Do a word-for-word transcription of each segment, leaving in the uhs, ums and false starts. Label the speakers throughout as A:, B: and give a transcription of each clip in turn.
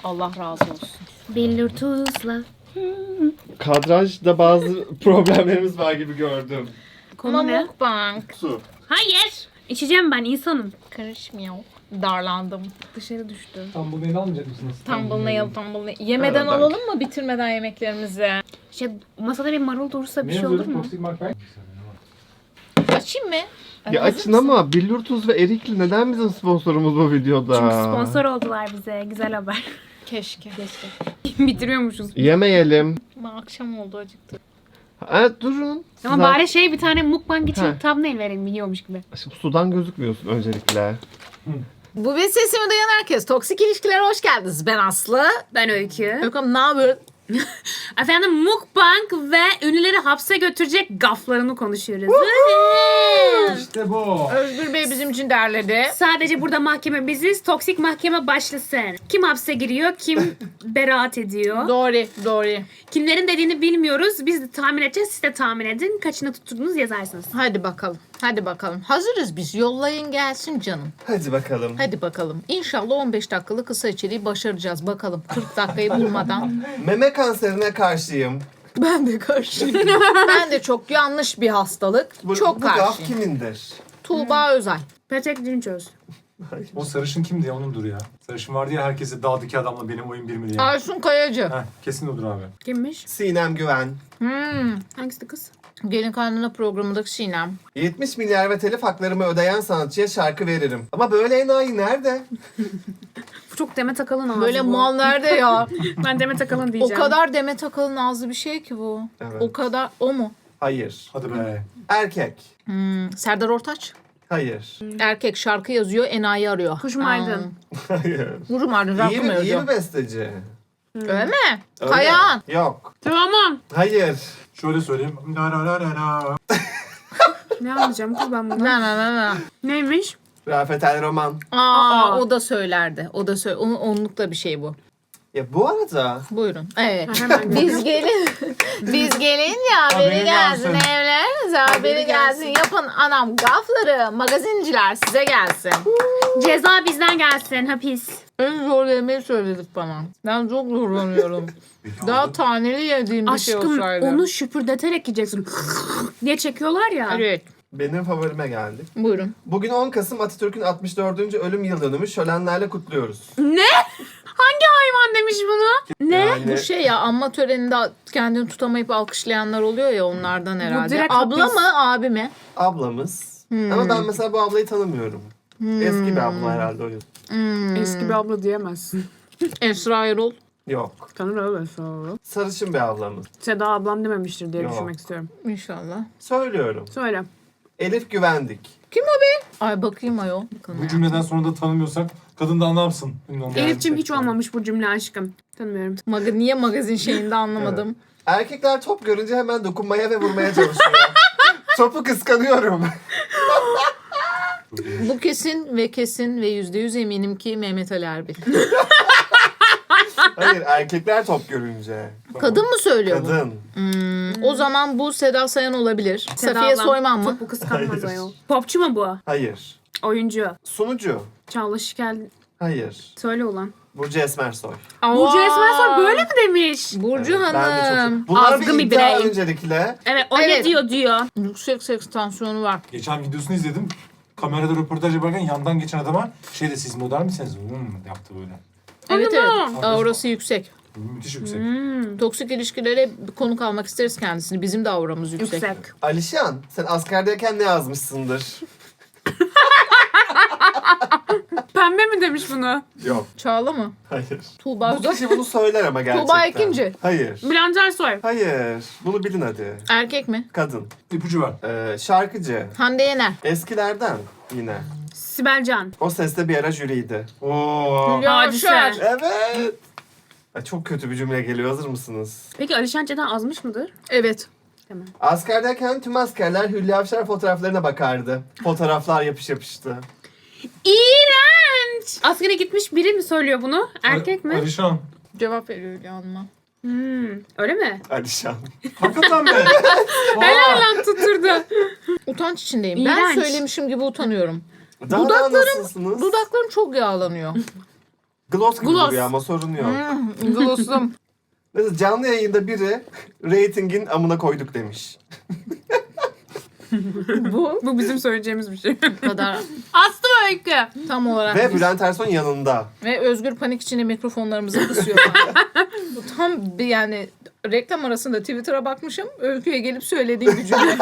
A: Allah razı olsun.
B: Billur tuzla.
C: Kadrajda bazı problemlerimiz var gibi gördüm.
B: Konu ne?
A: Mukbang.
C: Su.
B: Hayır. İçeceğim ben insanım.
A: Karışmıyor. Darlandım.
B: Dışarı düştü.
D: Thumbnail almayacak mısınız?
A: Thumbnail, thumbnail. Yemeden
C: Evet,
A: alalım mı bitirmeden yemeklerimizi?
B: Şey, masada bir marul durursa bir şey olur mu?
D: Toxic Mark Bank.
A: Açayım mı?
C: Ya açın ama Billur Tuz ve Erikli neden bizim sponsorumuz bu videoda?
B: Çünkü sponsor oldular bize. Güzel haber.
A: Keşke. Keşke.
B: Bitiriyormuşuz.
C: Yemeyelim.
A: Ama akşam oldu acıktı.
C: Evet durun.
B: Ama
C: Siz-
B: bari şey bir tane mukbang için
C: Heh.
B: thumbnail verelim yiyormuş gibi.
C: Şimdi sudan gözükmüyorsun öncelikle.
A: Bu bir sesimi duyan herkes. Toksik ilişkilere hoş geldiniz. Ben Aslı.
B: Ben Öykü.
A: Öyküm ne haber?
B: Efendim mukbang ve ünlüleri hapse götürecek gaflarını konuşuyoruz.
D: İşte bu.
A: Özgür Bey bizim için derledi.
B: Sadece burada mahkeme biziz. Toksik mahkeme başlasın. Kim hapse giriyor, kim beraat ediyor.
A: Doğru, doğru.
B: Kimlerin dediğini bilmiyoruz. Biz de tahmin edeceğiz. Siz de tahmin edin. Kaçını tutturdunuz yazarsınız.
A: Hadi bakalım. Hadi bakalım. Hazırız biz. Yollayın gelsin canım.
C: Hadi bakalım.
A: Hadi bakalım. İnşallah on beş dakikalık kısa içeriği başaracağız. Bakalım kırk dakikayı bulmadan.
C: Meme kanserine karşıyım.
A: Ben de karşıyım. Ben de çok yanlış bir hastalık.
C: Bu,
A: çok
C: bu gaf
A: karşıyım.
C: kimindir?
A: Tuğba Özay.
B: Petek Dinçöz.
D: O sarışın kimdi ya onundur ya. Sarışın vardı ya herkese dağdaki adamla benim oyun bir mi diye.
A: Aysun Kayacı.
D: Heh, kesin odur abi.
B: Kimmiş?
C: Sinem Güven.
A: Hmm.
B: Hangisi kız?
A: Gelin Kaynana programındaki Sinem.
C: yetmiş milyar ve telif haklarımı ödeyen sanatçıya şarkı veririm. Ama böyle enayi nerede?
B: Bu çok Demet Akalın ağzı
A: Böyle
B: bu.
A: mal nerede ya?
B: Ben Demet Akalın
A: O
B: diyeceğim.
A: kadar Demet Akalın ağzı bir şey ki bu.
C: Evet.
A: O kadar. O mu?
C: Hayır.
D: Hadi be.
C: Erkek.
A: Hmm. Serdar Ortaç.
C: Hayır.
A: Erkek şarkı yazıyor, enayi arıyor.
B: Kuşum Aydın.
C: Hayır.
A: Kuşum Aydın şarkı
C: İyi
A: mı
C: bir, iyi
A: yazıyor?
C: bir besteci.
A: Öyle mi?
C: Öyle.
A: Kayahan.
C: Yok.
B: Tamam.
C: Hayır.
D: Şöyle söyleyeyim. La la la la la.
B: Ne anlayacağım kız ben bunu?
A: Na na na na.
B: Neymiş?
C: Rafet El Roman.
A: Aa,
B: Aa.
A: o da söylerdi. O da söyle. Onun onlukta bir şey bu.
C: Ya bu arada
A: Buyurun. Evet.
B: Ha, hemen
A: Biz gelin. Biz gelin ya haberi
D: Haberi
A: gelsin.
D: gelsin.
A: Evlerinize haberi
C: Haberi
A: gelsin.
C: gelsin.
A: Yapın anam gafları. Magazinciler size gelsin.
B: Ceza bizden gelsin hapis.
A: En zor yemeği söyledik bana. Ben çok zorlanıyorum. Daha taneli yediğim bir şey
B: Aşkım
A: olsaydı.
B: onu şüpürdeterek yiyeceksin. diye çekiyorlar ya.
A: Evet.
C: benim favorime geldik.
A: Buyurun.
C: Bugün on Kasım Atatürk'ün altmış dördüncü ölüm yıl dönümü şölenlerle kutluyoruz.
B: Ne? Hangi hayvan demiş bunu? Ne?
C: Yani
A: Bu şey ya anma töreninde kendini tutamayıp alkışlayanlar oluyor ya onlardan herhalde.
B: direkt
A: Abla
B: hapis.
A: mı abi mi?
C: ablamız.
A: Hmm.
C: Ama ben mesela bu ablayı tanımıyorum. Eski bir abla herhalde o yüzden.
A: Hmm.
B: Eski bir abla diyemezsin.
A: Esra Erol.
C: Yok.
B: Tanır öyle sonra.
C: Sarışın bir ablamız.
B: Seda ablam dememiştir diye
C: Yok.
B: düşünmek istiyorum.
A: İnşallah.
C: Söylüyorum.
B: Söyle.
C: Elif Güvendik.
A: Kim o be? Ay bakayım ayol. Bakın
D: Bu
A: ya.
D: cümleden sonra da tanımıyorsak kadın da anlamsın. Bilmiyorum.
B: Elif'cim hiç
C: Gerçekten.
B: olmamış bu cümle aşkım. Tanımıyorum.
A: Maga- niye magazin şeyinde anlamadım.
C: Erkekler top görünce hemen dokunmaya ve vurmaya çalışıyor. Topu kıskanıyorum.
A: Bu kesin ve kesin ve yüzde yüz eminim ki Mehmet Ali Erbil.
C: Hayır, erkekler top görünce.
A: Kadın mı söylüyor bu?
C: Kadın.
A: Hmm, o zaman bu Seda Sayan olabilir.
B: Seda
A: Safiye
B: ablam
A: Soyman mı?
B: Topu kıskanmaz
C: Hayır.
B: ayol. Popçu mu bu?
C: Hayır.
B: Oyuncu.
C: Sunucu.
B: Çağla Şikel.
C: Hayır.
B: Söyle ulan.
C: Burcu Esmersoy.
B: Burcu
A: Aa!
B: Esmersoy böyle mi demiş?
A: Burcu
C: Evet, ben de çok-
A: Hanım.
C: Bunlar
B: Azgın
C: bir
B: bir
C: iddia
B: birey.
C: öncelikle.
B: Evet o
A: Evet.
B: ne diyor diyor.
A: Yüksek seks tansiyonu var.
D: Geçen videosunu izledim. Kamerada röportaj yaparken yandan geçen adama şey de siz model misiniz? Hmm, yaptı böyle.
A: Evet
B: Anladım.
A: evet. Aurası yüksek.
D: Müthiş yüksek.
B: Hmm,
A: Toksik ilişkilere konuk almak isteriz kendisini. Bizim de auramız yüksek.
B: yüksek.
C: Alişan, sen askerdeyken ne yazmışsındır?
B: Pembe mi demiş bunu?
C: Yok.
A: Çağla mı?
C: Hayır.
A: Tuğba
C: Bu
A: Özay.
C: kişi bunu söyler ama gerçekten.
A: Tuğba Ekinci.
C: Hayır.
B: Bülent Ersoy.
C: Hayır. Bunu bilin hadi.
A: Erkek mi?
C: Kadın.
D: İpucu var.
C: Ee, şarkıcı.
A: Hande Yener.
C: Eskilerden yine.
B: Sibel Can.
C: O seste bir ara jüriydi.
D: Oo.
A: Hülya
B: Hadise.
A: Avşar.
C: Evet. Ay, çok kötü bir cümle geliyor. Hazır mısınız?
B: Peki Alişan Çeten azmış mıdır?
A: Evet.
B: Tamam.
C: Askerdeyken tüm askerler Hülya Avşar fotoğraflarına bakardı. Fotoğraflar yapış yapıştı.
B: İğrenç. Askere gitmiş biri mi söylüyor bunu? Erkek mi?
D: Alişan.
A: Cevap veriyor Hülya Hanım'a.
B: Hmm, öyle mi?
C: Alişan.
D: Hakikaten be.
B: Helal lan tutturdu.
A: Utanç içindeyim. Ben
B: İğrenç.
A: söylemişim gibi utanıyorum.
C: Daha
A: Dudaklarım-
C: da nasılsınız?
A: Dudaklarım çok yağlanıyor.
C: Gloss gibi
B: Gloss.
C: duruyor ama sorun yok.
A: Hmm, glossum.
C: Mesela canlı yayında biri ratingin amına koyduk demiş.
A: Bu
B: Bu bizim söyleyeceğimiz bir şey.
A: kadar
B: Aslı Öykü.
A: tam olarak.
C: Ve Bülent Ersoy yanında.
A: Ve Özgür panik içinde mikrofonlarımızı kısıyor. Bu tam bir yani reklam arasında Twitter'a bakmışım. Öykü'ye gelip söylediğim bir cümle.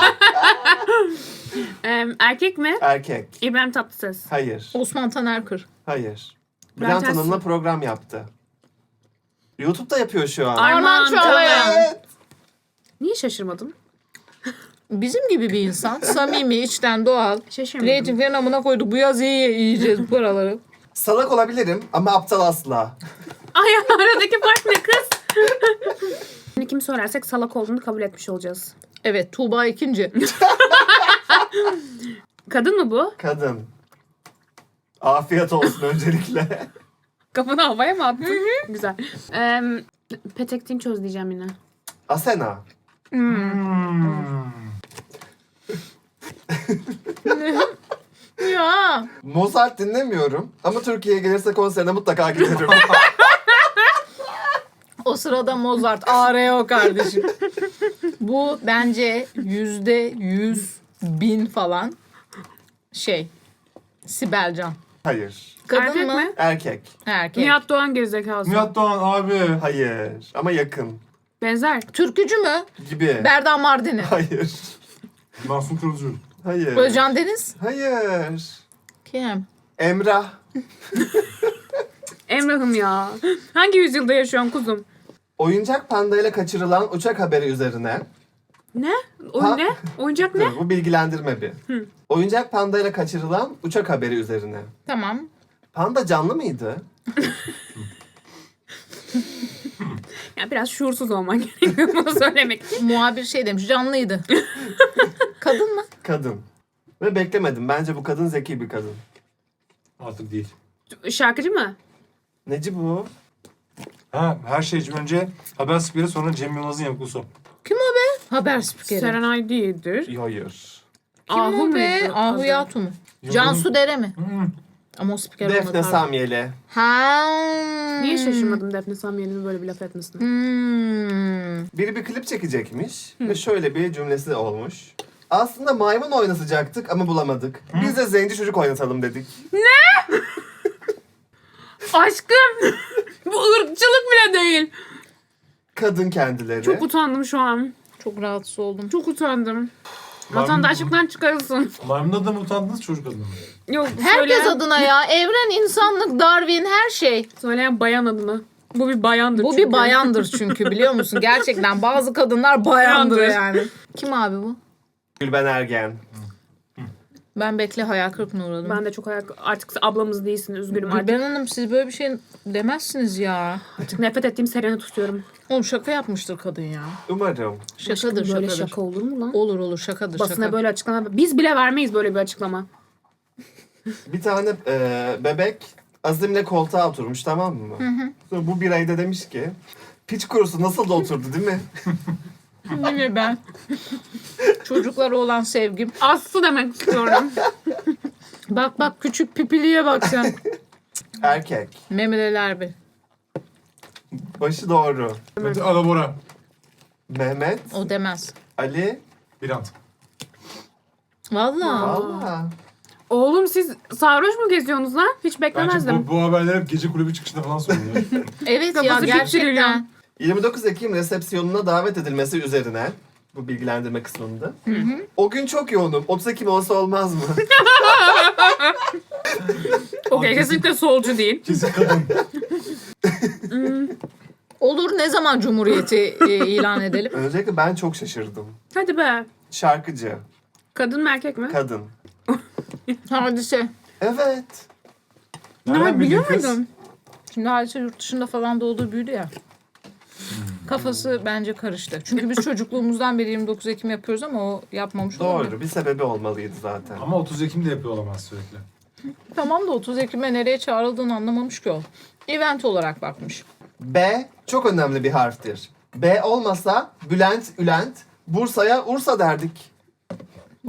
B: Ee, erkek mi?
C: Erkek.
B: İbrahim Tatlıses.
C: Hayır.
A: Osman Tanerkır.
C: Hayır.
B: Bülent
C: Bülent
B: Ersoy.
C: Hanım'la program yaptı. YouTube'da yapıyor şu an.
B: Arman
A: Arman
B: Çağlayan.
A: Çağlayan.
C: Evet.
B: Niye şaşırmadın?
A: Bizim gibi bir insan. Samimi, içten, doğal.
B: Şaşırmadım.
A: Reytinglerin amına koyduk. Bu yaz iyi yiyeceğiz bu paraları.
C: Salak olabilirim ama aptal asla.
B: Ay aradaki fark ne kız? Şimdi kim sorarsak salak olduğunu kabul etmiş olacağız.
A: Evet, Tuğba ikinci.
B: Kadın mı bu?
C: Kadın. Afiyet olsun öncelikle.
B: Kafanı havaya mı attın? Güzel. Ee, Petek Dinçöz diyeceğim yine.
C: Asena.
D: Hmm.
A: Ya.
C: Mozart dinlemiyorum ama Türkiye'ye gelirse konserine mutlaka giderim.
A: O sırada Mozart. A R O kardeşim. Bu bence yüzde yüz bin falan şey. Sibel Can.
C: Hayır.
A: Kadın
B: Erkek
A: mı?
B: mi?
C: Erkek.
A: Erkek.
B: Nihat Doğan gerizekalısı.
D: Nihat Doğan abi.
C: Hayır. Ama yakın.
B: Benzer.
A: Türkücü mü?
C: Gibi.
A: Berdan Mardini.
C: Hayır.
D: Mahsun Kırmızı.
C: Hayır.
A: Özcan Deniz.
C: Hayır.
A: Kim?
C: Emrah.
B: Emrah'ım ya. Hangi yüzyılda yaşıyorsun kuzum?
C: Oyuncak pandayla kaçırılan uçak haberi üzerine.
B: Ne? O
C: Ha?
B: ne? Oyuncak ne?
C: Dur, bu bilgilendirme bir. Oyuncak pandayla kaçırılan uçak haberi üzerine.
A: Tamam.
C: Panda canlı mıydı?
B: Ya biraz şuursuz olman gerekiyor bunu söylemek için.
A: Muhabir şey demiş. Canlıydı. Kadın mı?
C: Kadın. Ve beklemedim. Bence bu kadın zeki bir kadın.
D: Artık değil.
B: Şarkıcı mı?
C: Neci bu?
D: Ha, her şeyden önce haber spikeri sonra Cem Yılmaz'ın yapısı.
A: Kim o be? Haber spikeri.
B: Serenay değildir.
C: Hayır.
A: Kim
B: Ahu
A: o be?
B: muydu?
A: Ahu Yatu mu? Cansu Dere mi?
D: Hmm.
A: Ama o spiker
C: Defne
A: olmadı.
C: Samyeli.
A: Ha.
B: Niye şaşırmadım Defne Samyeli'nin böyle bir laf etmesine?
A: Hmm.
C: Biri bir klip çekecekmiş ve şöyle bir cümlesi olmuş. Aslında maymun oynatacaktık ama bulamadık. Biz de zenci çocuk oynatalım dedik.
B: Aşkım! Bu ırkçılık bile değil.
C: Kadın kendileri.
B: Çok utandım şu an.
A: Çok rahatsız oldum.
B: Çok utandım.
D: Maymun-
B: Vatandaşlıktan çıkarılsın.
D: Maymun adına mı utandınız çocuk adına mı?
B: Yok,
A: Herkes
B: söyleyen,
A: adına ya. Evren, insanlık, Darwin, her şey.
B: söyleyen bayan adına. Bu bir bayandır
A: Bu
B: çünkü.
A: bir bayandır çünkü, biliyor musun? Gerçekten bazı kadınlar bayandır
B: Bayandır.
A: yani. Kim abi bu?
C: Gülben Ergen.
A: Ben bekle hayal kırıklığına uğradım.
B: Ben de çok ayak... Artık ablamız değilsin, üzgünüm artık.
A: Gülben Hanım, siz böyle bir şey demezsiniz ya.
B: Artık nefret ettiğim Seren'i tutuyorum.
A: Oğlum şaka yapmıştır kadın ya.
C: Umarım.
A: Şakadır
B: Aşkım, böyle
A: şakadır.
B: şaka olur mu lan?
A: Olur olur şakadır
B: Basına
A: şaka.
B: böyle açıklama... Biz bile vermeyiz böyle bir açıklama.
C: Bir tane e, bebek Azim'le koltuğa oturmuş, tamam mı? Sonra bu birey de demiş ki piç kurusu nasıl da oturdu değil mi?
A: Yine ben. Çocuklara olan sevgim.
B: Aslı demek istiyorum.
A: Bak bak küçük pipiliye bak sen.
C: Erkek.
A: Memeler bir.
C: Başı doğru.
D: Mete Alabora.
C: Mehmet,
A: O demez.
C: Ali.
D: Birant.
A: Vallahi.
C: Valla.
B: Oğlum siz sarhoş mu geziyorsunuz lan? Hiç
D: Bence
B: beklemezdim.
D: bu, bu haberler hep gece kulübü çıkışında falan soruluyor.
A: Evet ya
B: Kafası
A: gerçekten.
B: şişiriliyor.
C: yirmi dokuz Ekim resepsiyonuna davet edilmesi üzerine bu bilgilendirme kısmında. O gün çok yoğunum. otuz Ekim olsa olmaz mı?
B: Okey, kesinlikle solcu değil.
D: Kesin kadın.
A: Olur, ne zaman Cumhuriyeti e, ilan edelim?
C: Öncelikle ben çok şaşırdım.
B: Hadi be.
C: Şarkıcı,
B: Kadın mı erkek mi?
C: kadın.
A: Hadise.
C: Evet.
D: Nereden
B: biliyor
D: bildin kız?
B: muydun?
A: Şimdi Hadise yurt dışında falan doğdu büyüdü ya. Kafası bence karıştı. Çünkü biz çocukluğumuzdan beri yirmi dokuz Ekim yapıyoruz ama o yapmamış olabilir.
C: Doğru. Bir sebebi olmalıydı zaten.
D: Ama otuz Ekim'de yapıyor olamaz sürekli.
A: Tamam da otuz Ekim'e nereye çağrıldığını anlamamış ki o. Event olarak bakmış.
C: B çok önemli bir harftir. B olmasa Bülent, Ülent, Bursa'ya Ursa derdik.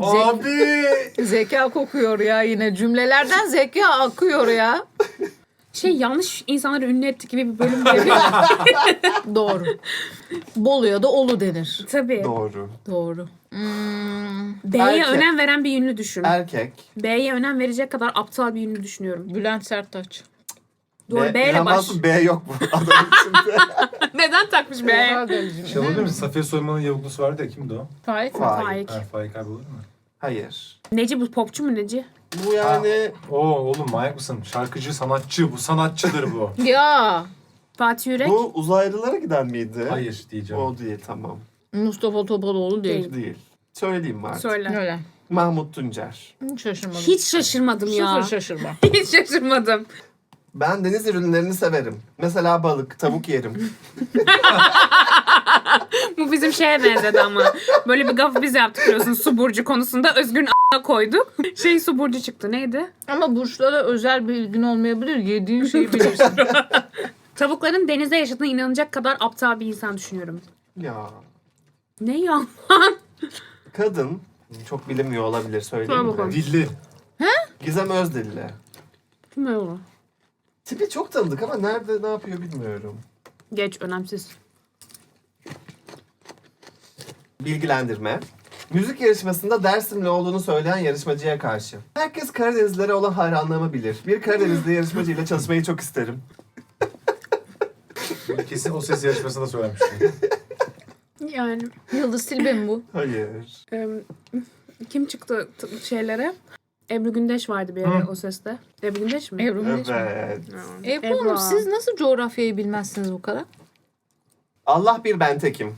D: Abi!
A: Zeka kokuyor ya yine. Cümlelerden zeka akıyor ya.
B: Şey yanlış insanları ünlü ettik gibi bir bölüm değil mi?
A: Doğru. Bolu'ya da Olu denir.
B: Tabii.
C: Doğru.
A: Doğru. Hmm,
B: B'ye
C: Erkek.
B: önem veren bir ünlü düşün.
C: Erkek.
B: B'ye önem verecek kadar aptal bir ünlü düşünüyorum.
A: Bülent Serttaç.
B: Doğru, B ile
C: İlhan
B: baş.
C: Mansur B yok bu adamın içinde.
B: Neden takmış B?
A: Oha delicim.
D: Şey olabilir mi? Safiye Soyman'ın yavuklusu vardı ya, kimdi o?
A: Faik mi?
C: Faik.
B: Faik.
D: Ha, Faik abi olur mu?
C: Hayır.
B: Neci bu? Popçu mu Neci?
C: Bu yani
D: Oo oğlum manyak mısın? Şarkıcı, sanatçı. Bu sanatçıdır bu.
A: Ya
B: Fatih Yürek.
C: bu uzaylılara giden miydi?
D: Hayır diyeceğim.
C: O değil, tamam.
A: Mustafa Topaloğlu değil.
C: Değil. Söyleyeyim mi artık?
B: Söyle.
A: Öyle.
C: Mahmut Tuncer.
A: Hiç şaşırmadım.
B: Hiç şaşırmadım ya.
A: Sıfır şaşırma.
B: Hiç şaşırmadım.
C: Ben deniz ürünlerini severim. Mesela balık, tavuk yerim.
B: Bu bizim şeye benzedi ama. Böyle bir gafı biz yaptık biliyorsun su burcu konusunda. Özgür'ün a**ına koyduk. Şey su burcu çıktı. Neydi?
A: Ama burçlara özel bir ilgin olmayabilir. Yediğin şeyi bilirsin.
B: Tavukların denizde yaşadığına inanacak kadar aptal bir insan düşünüyorum.
C: Ya.
B: Ne ya?
C: Kadın. Çok bilinmiyor olabilir, söyleyeyim
B: Söyle bakalım.
C: mi?
D: Dilli.
C: Gizem Özdilli.
B: Kim o?
C: Tipi çok tanıdık ama nerede ne yapıyor bilmiyorum.
B: Geç önemsiz.
C: Bilgilendirme. Müzik yarışmasında Dersimli olduğunu söyleyen yarışmacıya karşı. Herkes Karadenizlilere olan hayranlığımı bilir. Bir Karadenizli yarışmacıyla çalışmayı çok isterim.
D: Kesin o ses yarışmasında söylemiştim.
B: Yani
A: Yıldız Tilbe mi bu?
C: Hayır.
B: e, kim çıktı t- şeylere? Ebru Gündeş vardı bir ara
D: Hı.
B: o seste. Ebru Gündeş mi?
A: Ebru Gündeş mi?
C: Evet.
A: Ebru
B: Ebru.
A: Hanım siz nasıl coğrafyayı bilmezsiniz bu kadar?
C: Allah bir ben tekim.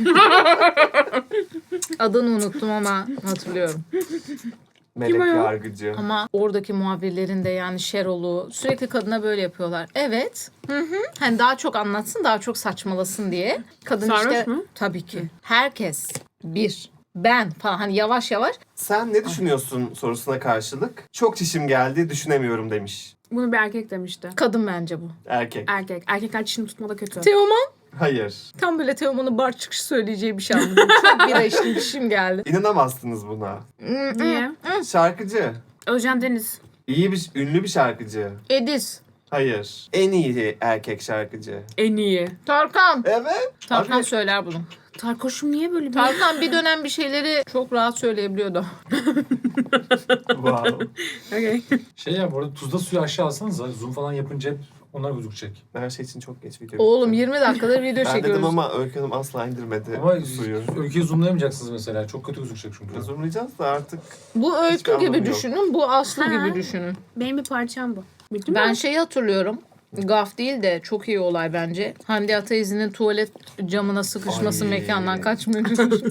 A: Adını unuttum ama hatırlıyorum.
C: Melek
B: Kim o ya?
C: yargıcı.
A: Ama oradaki muhabirlerin de yani Şerol'u sürekli kadına böyle yapıyorlar. Evet. Hı hı. Hani daha çok anlatsın, daha çok saçmalasın diye. Kadın
B: Sarhoş
A: işte
B: mu?
A: tabii ki. Herkes bir ben falan hani yavaş yavaş
C: Sen ne düşünüyorsun sorusuna karşılık çok çişim geldi düşünemiyorum demiş.
B: Bunu bir erkek demişti.
A: kadın bence bu.
C: Erkek.
B: Erkek. Erkekler çişini tutmada kötü.
A: Teoman
C: Hayır.
A: tam böyle Teoman'ın bar çıkışı söyleyeceği bir şey anladım. Çok bira içtim dişim geldi.
C: İnanamazsınız buna.
B: Niye?
C: Şarkıcı.
B: Özcan Deniz.
C: İyi bir, ünlü bir şarkıcı.
A: Edis.
C: Hayır. En iyi erkek şarkıcı.
B: En iyi.
A: Tarkan.
C: Evet.
A: Tarkan
C: Abi,
A: söyler bunu.
B: Tarkoş'um niye böyle bir...
A: Tarkan bir dönem bir şeyleri çok rahat söyleyebiliyordu.
C: wow.
B: Okay.
D: Şey ya bu arada tuzda suyu aşağı alsanıza. Zoom falan yapınca hep onlar gözükecek.
C: Her şey için çok geç video.
A: Oğlum
C: bitti.
A: yirmi dakikadır video
C: Ben
A: çekiyoruz.
C: dedim ama Öykü Hanım asla indirmedi
D: Ama
C: suyu.
D: ülkeyi zoomlayamayacaksınız mesela. Çok kötü gözükecek çünkü.
C: Zoomlayacağız da artık.
A: Bu
C: Hiçbir
A: öykü
C: anlamı
A: gibi
C: yok.
A: düşünün, bu Aslı
B: Ha.
A: gibi düşünün.
B: Benim bir parçam bu. Bildin
A: Ben
B: mi?
A: şeyi hatırlıyorum. Gaf değil de çok iyi olay bence. Hande Ataizi'nin tuvalet camına sıkışması
C: Ay.
A: mekandan kaçmıyor.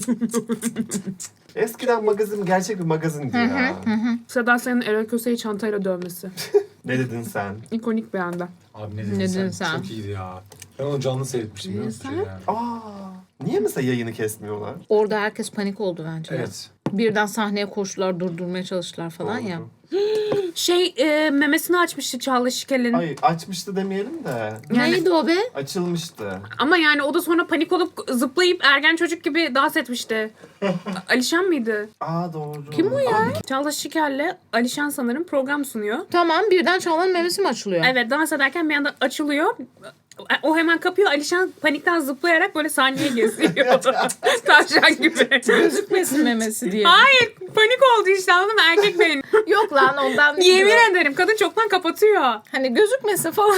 C: Eskiden magazin gerçek bir magazindi ya.
B: Seda Sayan'ın Erol Köse'yi çantayla dövmesi.
C: Ne dedin sen?
B: İkonik bir anda.
D: Abi ne dedin,
A: Ne
D: sen?
A: dedin sen?
D: Çok iyiydi ya. Ben onu canlı seyretmiştim biliyor musun?
B: Sen?
D: Şey yani.
C: Aa, niye mesela yayını kesmiyorlar?
A: Orada herkes panik oldu bence. ya.
D: Evet.
A: Birden sahneye koştular, durdurmaya çalıştılar falan
C: Doğru.
A: ya.
B: Şey e, memesini açmıştı Çağla Şikel'in.
C: Ay açmıştı demeyelim de
B: Yani-
A: Neydi o be?
C: açılmıştı.
B: Ama yani o da sonra panik olup zıplayıp ergen çocuk gibi dans etmişti. Alişan mıydı?
C: Aa doğru.
A: Kim o ya?
B: Çağla Şikel'le Alişan sanırım program sunuyor.
A: Tamam, birden Çağla'nın memesi mi açılıyor?
B: Evet, dans ederken bir anda açılıyor. O hemen kapıyor. Alişan panikten zıplayarak böyle sahneye geziyor. Tavşan gibi.
A: Gözükmesin memesi diye.
B: Hayır, panik oldu işte, anladın mı? Erkek beyin.
A: Yok lan ondan değil.
B: Yemin ederim kadın çoktan kapatıyor.
A: Hani gözükmesin falan.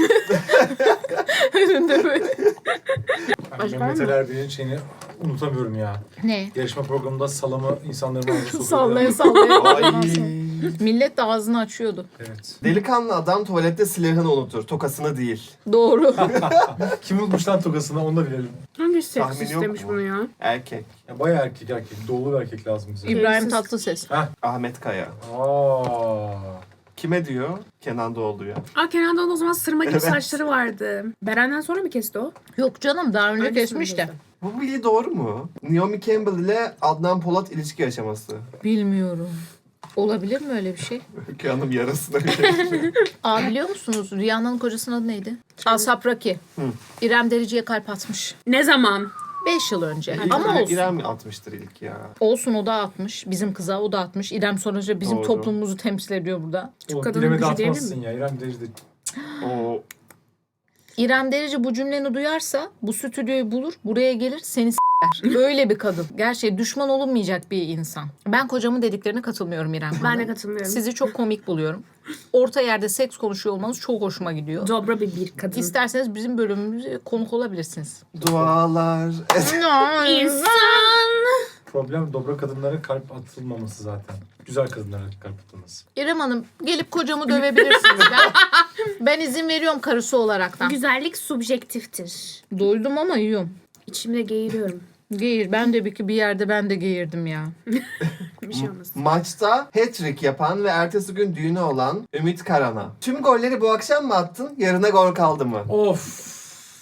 A: Önünde böyle.
D: Ben
B: Başka
D: Mehmet
B: var mı?
D: Ali Erbil'in şeyini unutamıyorum ya.
A: Ne?
D: Yarışma programında salamı insanların ağzına sokuyordu.
A: Sallaya sallaya.
C: Ay.
A: Millet de ağzını açıyordu.
D: Evet.
C: Delikanlı adam tuvalette silahını unutur. Tokasını değil.
A: Doğru.
D: Kim unutmuş lan tokasını onu da bilelim.
B: Hangi seks
C: Tahmin yok
B: istemiş
C: mu?
B: bunu ya?
C: Erkek.
D: Ya bayağı erkek erkek. Doğulu bir erkek lazım bize.
A: İbrahim
B: Evsiz.
A: Tatlıses.
C: Ahmet Kaya.
D: Aa.
C: Kime diyor? Kenan Doğulu'ya.
B: Aa, Kenan Doğulu o zaman sırma gibi
C: Evet.
B: saçları vardı. Beren'den sonra mı kesti o?
A: Yok canım, daha önce
B: Öncesinde
A: kesmiş de.
B: kesti.
C: Bu bilgi doğru mu? Naomi Campbell ile Adnan Polat ilişki yaşaması.
A: Bilmiyorum. Olabilir mi öyle bir şey?
C: Öykü Hanım yarasına.
A: Aa, biliyor musunuz? Rihanna'nın kocasının adı neydi? Asap Raki.
C: Hı.
A: İrem Derici'ye kalp atmış.
B: Ne zaman?
A: Beş yıl önce.
C: İlk
A: Ama olsun.
C: İrem mi atmıştır ilk ya?
A: Olsun, o da atmış. Bizim kıza o da atmış. İrem sonuçta bizim
C: Doğru.
A: toplumumuzu temsil ediyor burada.
D: Oğlum
B: kadının
D: İrem'e de
B: gücü değil
D: atmazsın ya. İrem Derici de
C: O
A: İrem Derici bu cümleni duyarsa bu stüdyoyu bulur, buraya gelir, seni s**ler. Öyle bir kadın. Gerçi düşman olunmayacak bir insan. Ben kocamın dediklerine katılmıyorum İrem Hanım.
B: Ben de katılmıyorum.
A: Sizi çok komik buluyorum. Orta yerde seks konuşuyor olmanız çok hoşuma gidiyor.
B: Dobra bir bir kadın.
A: İsterseniz bizim bölümümüze konuk olabilirsiniz.
C: dualar.
B: İnsan.
D: Problem dobra kadınlara kalp atılmaması zaten. Güzel kadınlara kalp atılması.
A: İrem Hanım gelip kocamı dövebilirsiniz. Ben, ben izin veriyorum karısı olaraktan.
B: Güzellik subjektiftir.
A: Doydum ama yiyorum.
B: İçimde geğiriyorum.
A: Geğir. Ben de bir, bir yerde ben de geğirdim ya.
B: Bir şey olmaz.
C: Maçta hat-trick yapan ve ertesi gün düğünü olan Ümit Karan'a. Tüm golleri bu akşam mı attın? Yarına gol kaldı mı?
D: Of.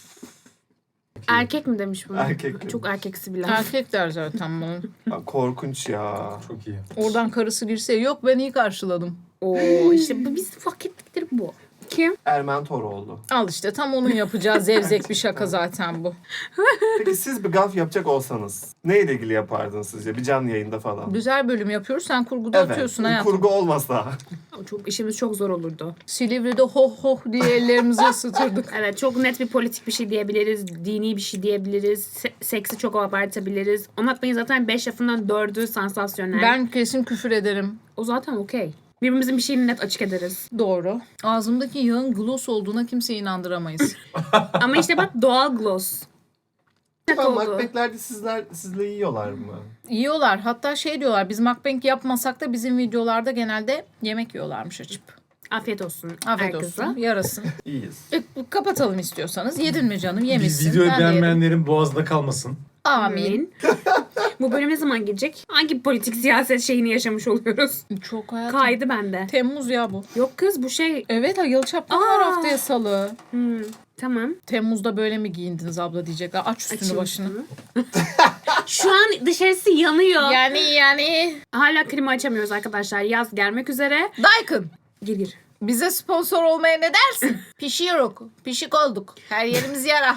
B: Erkek mi demiş bunu?
C: Erkek demiş.
B: Çok erkeksi bir laf.
A: Erkek der zaten bunu.
C: Ya, korkunç ya.
D: Çok iyi.
A: Oradan karısı girse yok ben iyi karşıladım.
B: Oo işte bu biz hak ettikleri bu. Kim?
C: Ermen Toroğlu.
A: Al işte tam onun yapacağı zevzek bir şaka zaten bu.
C: Peki siz bir gaf yapacak olsanız neyle ilgili yapardınız sizce? Bir canlı yayında falan.
A: Güzel bölüm yapıyoruz sen kurguda atıyorsun hayatım.
C: kurgu olmasa.
B: O çok işimiz çok zor olurdu.
A: Silivri'de hoh hoh diye ellerimizi ısıtırdık.
B: Evet çok net bir politik bir şey diyebiliriz. Dini bir şey diyebiliriz. Se- seksi çok abartabiliriz. Anlatmayın zaten beş lafından dördü sansasyonel.
A: Ben kesin küfür ederim.
B: O zaten okey. Birbirimizin bir şeyini net açık ederiz.
A: Doğru. Ağzımdaki yağın gloss olduğuna kimseyi inandıramayız.
B: Ama işte bak doğal gloss. Net
C: Ama
B: oldu.
C: Macbeth'lerde sizler sizle yiyorlar mı?
A: Yiyorlar. Hatta şey diyorlar biz mukbang yapmasak da bizim videolarda genelde yemek yiyorlarmış açıp.
B: Afiyet olsun.
A: Afiyet
B: herkese.
A: olsun. Yarasın.
C: İyiyiz.
A: E, kapatalım istiyorsanız. Yedin mi canım?
D: Biz
A: Yemişsin.
D: videoyu
A: Ben de yedim.
D: beğenmeyenlerin boğazında kalmasın.
A: Amin.
B: Amin. Bu bölüm ne zaman gelecek? Hangi politik siyaset şeyini yaşamış oluyoruz?
A: Çok hayatım.
B: Kaydı bende.
A: Temmuz ya bu.
B: Yok kız bu şey.
A: Evet Ayıl Çapkın var
B: Aa.
A: haftaya salı.
B: Hmm, tamam.
A: Temmuz'da böyle mi giyindiniz abla diyecekler. Aç üstünü
B: Açayım
A: başını.
B: üstümü. Şu an dışarısı yanıyor.
A: Yani yani.
B: Hala klima açamıyoruz arkadaşlar. Yaz gelmek üzere.
A: Daikin.
B: Gir gir.
A: Bize sponsor olmaya ne dersin? Pişiyoruz. Pişik olduk. Her yerimiz yara.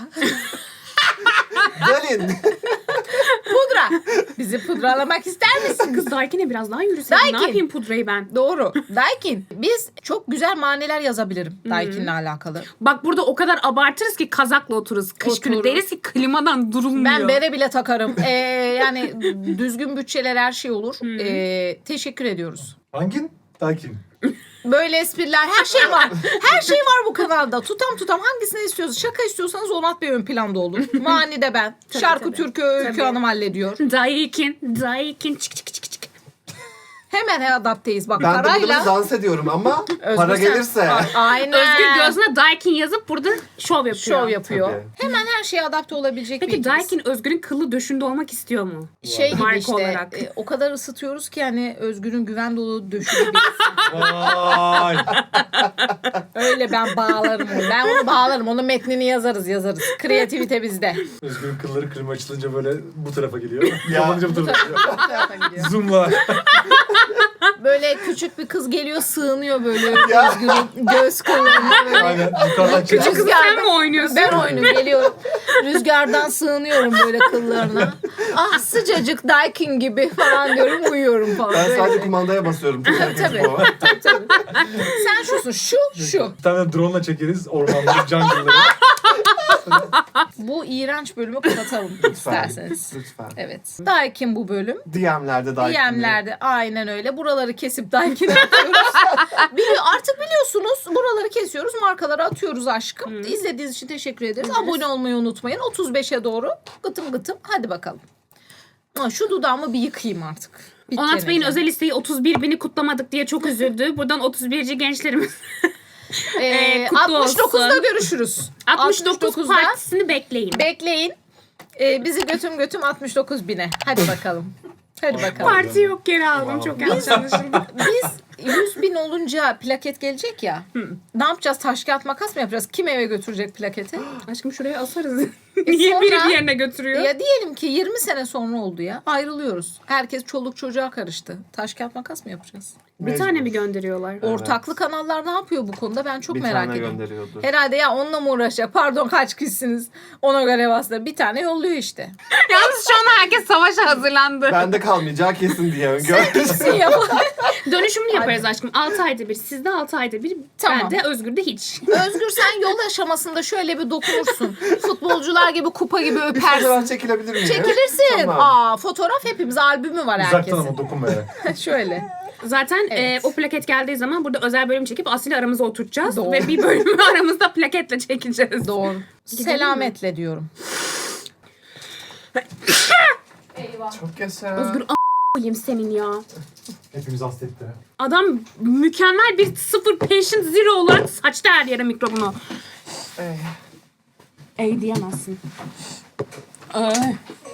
C: Gelin.
A: Pudra. Bizi pudralamak ister misin?
B: Kız Daikin'e biraz daha yürüsene.
A: Daikin.
B: Ne yapayım pudrayı ben?
A: Doğru. Daikin. Biz çok güzel maniler yazabilirim Daikin'le alakalı.
B: Bak burada o kadar abartırız ki kazakla otururuz. Kış günü
A: Oturur.
B: deriz ki klimadan durulmuyor.
A: Ben bere bile takarım. Ee, yani düzgün bütçeler her şey olur. Ee, teşekkür ediyoruz.
D: Hangin? Dakin.
A: Böyle espriler her şey var. Her şey var bu kanalda. Tutam tutam hangisini istiyorsanız. Şaka istiyorsanız Onat Bey ön planda olur. Mani de ben.
B: Tabii,
A: Şarkı
B: tabii.
A: türkü Öykü
B: Tabii.
A: Hanım hallediyor.
B: Daikin. Daikin. Çık çık çık çık.
A: Hemen adapteyiz. Bak
C: Ben de
A: parayla.
C: burada dans ediyorum ama
A: Özgür
C: para
A: sen-
C: gelirse.
A: A- Aynen.
B: Özgür gözüne Daikin yazıp burada şov yapıyor.
A: Şov yapıyor.
C: Tabii.
A: Hemen her şeye adapte olabilecek bir
B: Peki
A: ekibiz.
B: Daikin Özgür'ün kıllı döşünde olmak istiyor mu?
A: Şey gibi
B: Marka
A: işte
B: olarak.
A: e, o kadar ısıtıyoruz ki hani Özgür'ün güven dolu döşülü bir
D: Vay.
A: öyle ben bağlarım onu. Ben onu bağlarım. Onun metnini yazarız yazarız. Kreativite bizde.
D: Özgür'ün kılları klima açılınca böyle bu tarafa geliyor.
C: Ya.
D: Kapanınca bu tarafa geliyor.
A: Bu tarafa gidiyor.
D: Zoom'la.
A: Böyle küçük bir kız geliyor sığınıyor böyle
C: Ya.
A: Özgür'ün göz kıllarına böyle.
D: Aynen. Yukarıdan
A: Küçük
D: çekiyor.
B: Kızı sen mi oynuyorsun?
A: Ben oynuyorum geliyorum. Rüzgardan sığınıyorum böyle kıllarına. Ah sıcacık Daikin gibi falan diyorum uyuyorum falan.
C: Ben
A: Böyle.
C: sadece kumandaya basıyorum. Tüm herkes
A: Tabii.
C: bu.
A: Tabii, tabii. Sen şusun şu şu.
D: Bir tane drone'la çekeriz ormanları, jungle'ları.
A: Bu iğrenç bölümü kapatalım isterseniz.
C: Lütfen.
A: Evet. Daikin bu bölüm.
C: D M'lerde daha
A: D M'lerde aynen öyle. Buraları kesip Daikin'e atıyoruz. Biliyor, artık biliyorsunuz buraları kesiyoruz. Markaları atıyoruz aşkım. İzlediğiniz için teşekkür ederiz. Abone olmayı unutmayın. otuz beşe doğru gıtım gıtım. Hadi bakalım. Ha, şu dudağımı bir yıkayayım artık. Bir
B: Onat
A: kere
B: Bey'in
A: de.
B: özel isteği otuz bir bini kutlamadık diye çok üzüldü. Buradan otuz birci gençlerimiz
A: Ee,
B: Ee, kutlu
A: altmış dokuzda
B: olsun.
A: görüşürüz.
B: altmış dokuz
A: altmış dokuzda
B: partisini bekleyin.
A: bekleyin. Ee, bizi götüm götüm altmış dokuz bine. Hadi bakalım. Hadi bakalım.
B: Parti yok geri aldım. Çok yanlış anlaşıldı.
A: Biz yüz bin olunca plaket gelecek ya. Ne yapacağız? Taş kağıt makas mı yapacağız? Kim eve götürecek plaketi?
B: Aşkım şuraya asarız. Niye
A: sonra-
B: biri bir yerine götürüyor?
A: Ya diyelim ki yirmi sene sonra oldu ya. Ayrılıyoruz. Herkes çoluk çocuğa karıştı. Taş kağıt makas mı yapacağız?
B: Bir
C: Mecbur.
B: tane mi gönderiyorlar?
C: Evet.
A: Ortaklı kanallar ne yapıyor bu konuda? Ben çok
C: bir
A: merak
C: tane
A: ediyorum.
C: gönderiyordur.
A: Herhalde ya onunla mı uğraşacak? Pardon kaç kişisiniz? Ona göre bastı. Bir tane yolluyor işte.
B: Yalnız şu an herkes savaşa hazırlandı.
C: Bende kalmayacağı kesin diye öngörmüş.
A: Gitsin yapalım.
B: Dönüşümlü yaparız aşkım. altı ayda bir. Sizde altı ayda bir.
A: Tamam.
B: Bende Özgür'de hiç.
A: Özgür sen yol aşamasında şöyle bir dokunursun. Futbolcular gibi kupa gibi
C: Bir
A: öpersin.
C: fotoğraf çekilebilir miyim?
A: Çekilirsin.
C: Tamam.
A: Aa fotoğraf hepimiz albümü var
D: Uzaktan
A: herkesin.
D: ama dokunmayarak.
A: Şöyle.
B: Zaten
A: Evet.
B: e, o plaket geldiği zaman burada özel bölüm çekip Aslı'yla aramıza oturtacağız.
A: Doğru.
B: Ve bir bölümü aramızda plaketle çekeceğiz.
A: Doğru.
B: Gidelim
A: Selametle diyorum.
C: Çok yaşa.
B: Özgür a**ayım senin ya.
D: Hepimiz hasta etti.
B: Adam mükemmel bir sıfır patient zero olarak saçtı her yere mikrobunu.
C: Eh.
B: Ey diyemezsin. Ay.